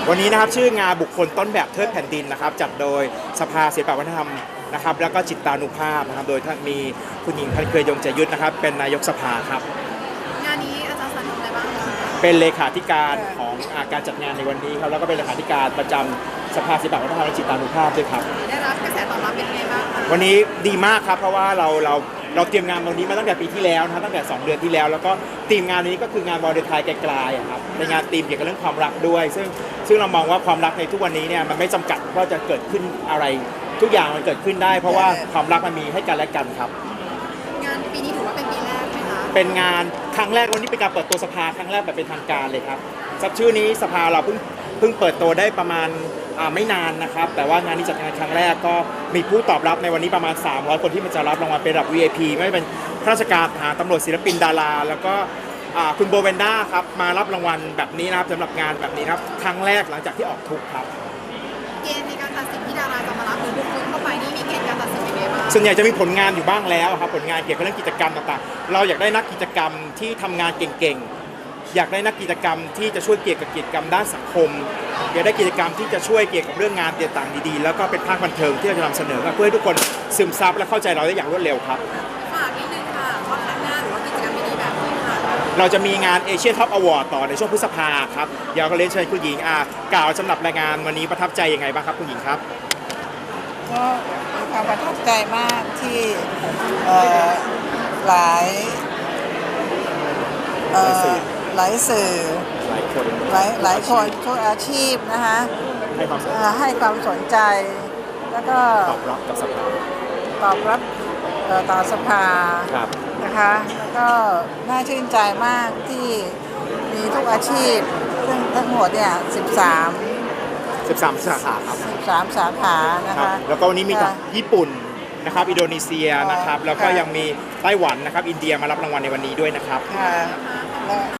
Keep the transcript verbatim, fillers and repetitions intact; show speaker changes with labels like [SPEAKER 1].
[SPEAKER 1] วันนี้นะครับชื่องานบุคคลต้นแบบเทิดแผ่นดินนะครับจัดโดยสภาศิลปวัฒนธรรมนะครับแล้วก็จิตานุภาพนะครับโดยท่านมีคุณหญิงพันเคยยงใจยุทธนะครับเป็นนายกสภาครับ
[SPEAKER 2] งานนี้อาจารย์สันทำอะไรบ้างคะ
[SPEAKER 1] เป็นเลขาธิการของการจัดงานในวันนี้ครับแล้วก็เป็นเลขาธิการประจำสภาศิลปวัฒนธรรมและจิตานุภาพด้วยครับ
[SPEAKER 2] ได้รับกระแสตอบรับเป็นไงบ้างคะ
[SPEAKER 1] วันนี้ดีมากครับเพราะว่าเราเราเราเตรียมงานวันนี้มาตั้งแต่ปีที่แล้วนะครับตั้งแต่สองเดือนที่แล้วแล้วก็ทีมงานนี้ก็คืองานวอลเดทายไกลๆครับเป็นงานธีมเกี่ยวกับเรื่องความรักด้วย ซึ่งซึ่งเรามองว่าความรักในทุกวันนี้เนี่ยมันไม่จำกัดว่าจะเกิดขึ้นอะไรทุกอย่างมันเกิดขึ้นได้ เพราะว่าความรักมันมีให้กันและกันครับ
[SPEAKER 2] งานปีนี้ถือว่าเป็นปีแรกไหมคะ
[SPEAKER 1] เป็นงานครั้งแรกวันนี้เป็นการเปิดตัวสภาครั้งแรกแบบเป็นทางการเลยครับสับชื่อนี้สภาเราเพิ่งเพิ่งเปิดตัวได้ประมาณไม่นานนะครับแต่ว่างานนี้จัดงานครั้งแรกก็มีผู้ตอบรับในวันนี้ประมาณสามร้อยคนที่มันจะรับรางวัลเป็นระดับ วี ไอ พี ไม่เป็นข้าราชการทหารตำรวจศิลปินดาราแล้วก็คุณโบเวนด้าครับมารับรางวัลแบบนี้นะครับสำหรับงานแบบนี้ครับครั้งแรกหลังจากที่ออกทุกครับ
[SPEAKER 2] เกณฑ์ในการตัดสินที่ดาราจะมารับหรือบุคคลเข้าไปนี่มีเกณฑ์การตัดสินยังไงบ้าง
[SPEAKER 1] ส่วนใหญ่จะมีผลงานอยู่บ้างแล้วครับผลงานเกี่ยวกับเรื่องกิจกรรมต่างๆเราอยากได้นักกิจกรรมที่ทำงานเก่งๆอยากได้นักกิจกรรมที่จะช่วยเกี่ยวกับกิจกรรมด้านสังคมอยากได้กิจกรรมที่จะช่วยเกี่ยวกับเรื่องงานต่างๆดีๆแล้วก็เป็นภาคบันเทิงที่เราจะนำเสนอเพื่อให้ทุกคนซึมซับและเข้าใจเราได้อย่างรวดเร็วครับ
[SPEAKER 2] ฝากนิดนึงค่ะว่าครั้งหน้าหรือว่ากิจกรรมดีๆแบบนี้ค่ะ
[SPEAKER 1] เราจะมีงานเอเชียท็อปอวอร์ดต่อในช่วงพฤษภาครับเดี๋ยวก็เรียนเชิญคุณหญิงอ่ากล่าวสำหรับรายงานวันนี้ประทับใจยังไงบ้างครับคุณหญิงครับ
[SPEAKER 3] ก็มีความประทับใจมากที่หลายหลายสื่อ
[SPEAKER 1] หลายคน
[SPEAKER 3] หลายหลายคนทุกอาชีพนะคะ
[SPEAKER 1] ให้ความสนใจ
[SPEAKER 3] ให้ความสนใจแล้วก็
[SPEAKER 1] ตอบรับกับสภา
[SPEAKER 3] ตอบรับต่อสภานะคะแล้วก็น่าชื่นใจมากที่มีทุกอาชีพซึ่งทั้งหมดเนี่ยสิบสาม
[SPEAKER 1] สิบสามสาขาครับ
[SPEAKER 3] สิบสามสาขานะคะ
[SPEAKER 1] แล้วก็วันนี้มีกับญี่ปุ่นนะครับอินโดนีเซียนะครับแล้วก็ยังมีไต้หวันนะครับอินเดียมารับรางวัลในวันนี้ด้วยนะครับ